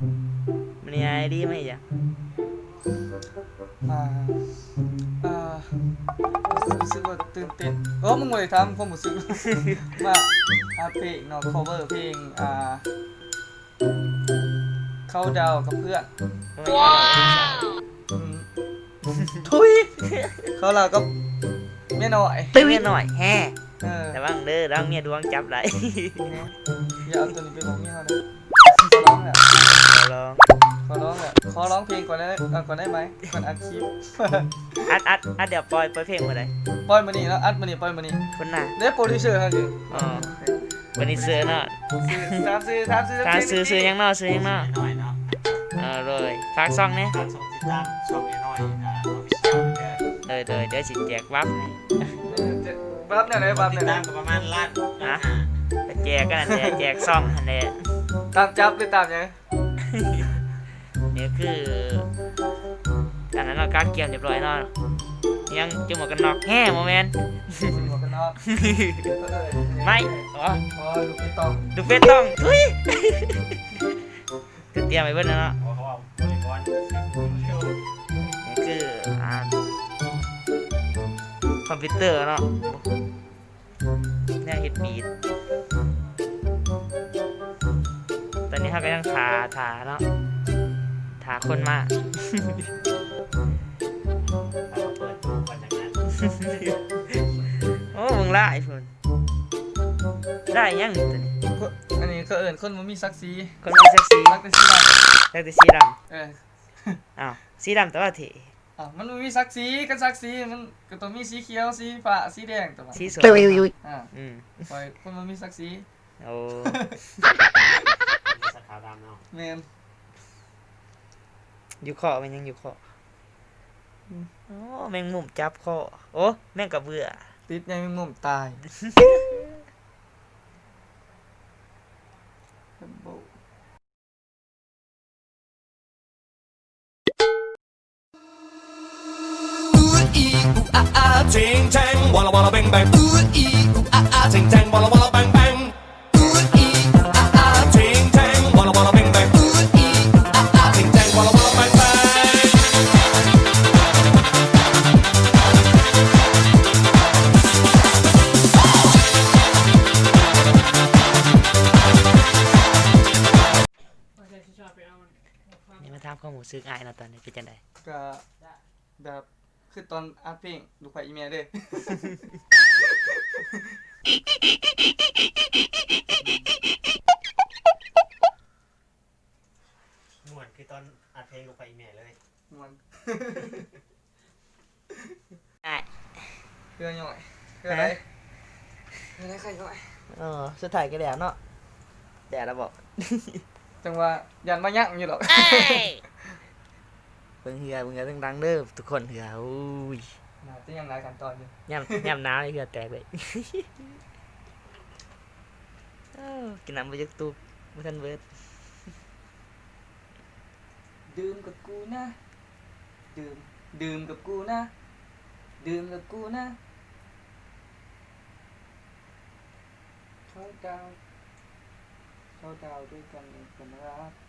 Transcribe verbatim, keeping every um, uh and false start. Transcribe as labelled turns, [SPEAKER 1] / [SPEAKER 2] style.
[SPEAKER 1] มันนี่ไอดีไหมจ๊ะ
[SPEAKER 2] อ่าอ่ารู้สึกว่าตื่นเต้นโอ้มึงบ่ได้ทำความรู้สึกว่าอาเพลงเนาะ cover เพลงอ่าเข้าดาวกับเพื่อน
[SPEAKER 1] ว้าว
[SPEAKER 2] อืมทุยเขาเราก็ไม่น้อย
[SPEAKER 1] ตื้อหน่อยแฮ่
[SPEAKER 2] เออ
[SPEAKER 1] แต่ว่าเด้อร่างเมียดวงจับไร
[SPEAKER 2] อย่าเอาตัวนี้ไปลงนี่เขานะขอร้องแหละ
[SPEAKER 1] ลอง
[SPEAKER 2] ขอร้องแหละขอร้องเพลงก่อนได้เอ่อก่อนได้ไหมก่อนอัดคลิป
[SPEAKER 1] อัดอัดอัดเดี๋ยวปล่อยปล่อยเพลงมาเลย
[SPEAKER 2] ปล่อยมานี่แล้วอัดมานี่ปล่อยมานี่
[SPEAKER 1] คนน่ะ
[SPEAKER 2] ได้โปรดิวเซอร์ครับจิ
[SPEAKER 1] อ๋อวันนี้ซื้อเนาะ
[SPEAKER 2] ตามซื้อตามซื้อ
[SPEAKER 1] การซื้อซื้อยังเนาะซื้อยังเนาะ
[SPEAKER 3] น้อยเนาะ
[SPEAKER 1] เออเลยฝากซองเนี่ย
[SPEAKER 3] ฝากส่งติดตามช่องน้อยอ่าออฟฟิเชียลเด้อ
[SPEAKER 1] เลยเลยเดี๋ยวสิแจกวับให้
[SPEAKER 2] บัฟเนี่ยไหนบัฟ
[SPEAKER 3] ติ
[SPEAKER 2] เนี่
[SPEAKER 3] ด
[SPEAKER 2] ย
[SPEAKER 3] ตามก็ประมาณล้านล้านห้า
[SPEAKER 1] ไปแจกกันนั่นแหละแจกซองอันนี้
[SPEAKER 2] ตามจับหรือตามยัง
[SPEAKER 1] นี่คืออันนั้นเราการเกี่ยวเรียบร้อยเนาะยังจุ่มหมวกกันน็อกแฮ่โมเมนต์
[SPEAKER 2] หมวกกันน็อก
[SPEAKER 1] ไม่อ๋อ
[SPEAKER 2] อ๋อลูกพี่ตอง
[SPEAKER 1] ดูเฟซต้องทุยคือเตรียมไปเบิ้ลแล้วเนาะ
[SPEAKER 3] เพราะเขาเอาบริกร
[SPEAKER 1] นี่คืออ่าคอมพิวเตอร์เนาะเนี่ยเฮ็ดบีทตอนนี้เขาก็ยังทาทาเนาะทาคนมา
[SPEAKER 3] เราเปิดดูก่อนจากนั้น
[SPEAKER 1] โอ้มึงไล่พุ่นได้ยังนี่ตัวนี้
[SPEAKER 2] อันนี้เขาเอิญคนมันมีศักดิ์ศรี
[SPEAKER 1] คนมีเซ็กซี่
[SPEAKER 2] รักแต่สีด
[SPEAKER 1] แต่แต่สีด
[SPEAKER 2] ำเออ
[SPEAKER 1] ำอ้าวสีดำแต่ว่าเถ
[SPEAKER 2] อ่ะมันมีศักดิ์ศรีกันศักดิ์ศรีมันก็ต้องมีสีเขียวสีฟ้าสีแดงตัวมัน
[SPEAKER 1] สีสวย
[SPEAKER 2] อ่า
[SPEAKER 1] อืม
[SPEAKER 2] ปล่อยคนมันมีศักดิ์ศรี
[SPEAKER 1] โอ้
[SPEAKER 3] สาขาดำเนาะ
[SPEAKER 2] แมน
[SPEAKER 1] อยู่คอมันยังอยู่คอโอ้แมงมุมจับคอโอ้แมงกระเบื่อ
[SPEAKER 2] ติดยังมีมุมตาย
[SPEAKER 4] Ching chang, walla walla bang bang. Ooh ee ooh ah ah. Ching chang, walla walla bang bang. Ooh ee ooh ah ah. Ching chang, walla walla bang bang. Ooh ee ooh ah ah. Ching chang, walla walla bang bang.
[SPEAKER 1] นี่มาทำข้อมูลซื้อง่ายเนาะตอนนี้เป็นจังได
[SPEAKER 2] ก็แบบคือตอนอัดเพลงลูกไผ่อีเมลเด้
[SPEAKER 3] ม่วนคือตอนอัดเพลงลงไปอีเมลเลย
[SPEAKER 2] มัน
[SPEAKER 1] ได้
[SPEAKER 2] เพื่อนย่อยเพื่อนอะไรเพื่อนอะไรใครย่อย
[SPEAKER 1] เออสุดท้ายก็แดดเนาะแดดแล้วบอก
[SPEAKER 2] จังว่ายันมายั่งอยู่หรอก
[SPEAKER 1] เบิ่งเหือเบิ่งเหือดังๆเด้อทุกคนเหืออุ้ย
[SPEAKER 2] น่าจะยังหลายขั้นตอนอยู่
[SPEAKER 1] ย่ำย่ำน้ำเลยเหือแตกเลย เอ้ากินน้ำไปจากตู้ไม่ทันเบิด
[SPEAKER 2] ดื่มกับกูนะดื่มดื่มกับกูนะดื่มกับกูนะเข้าดาวเข้าดาวด้วยกันเป็นรัก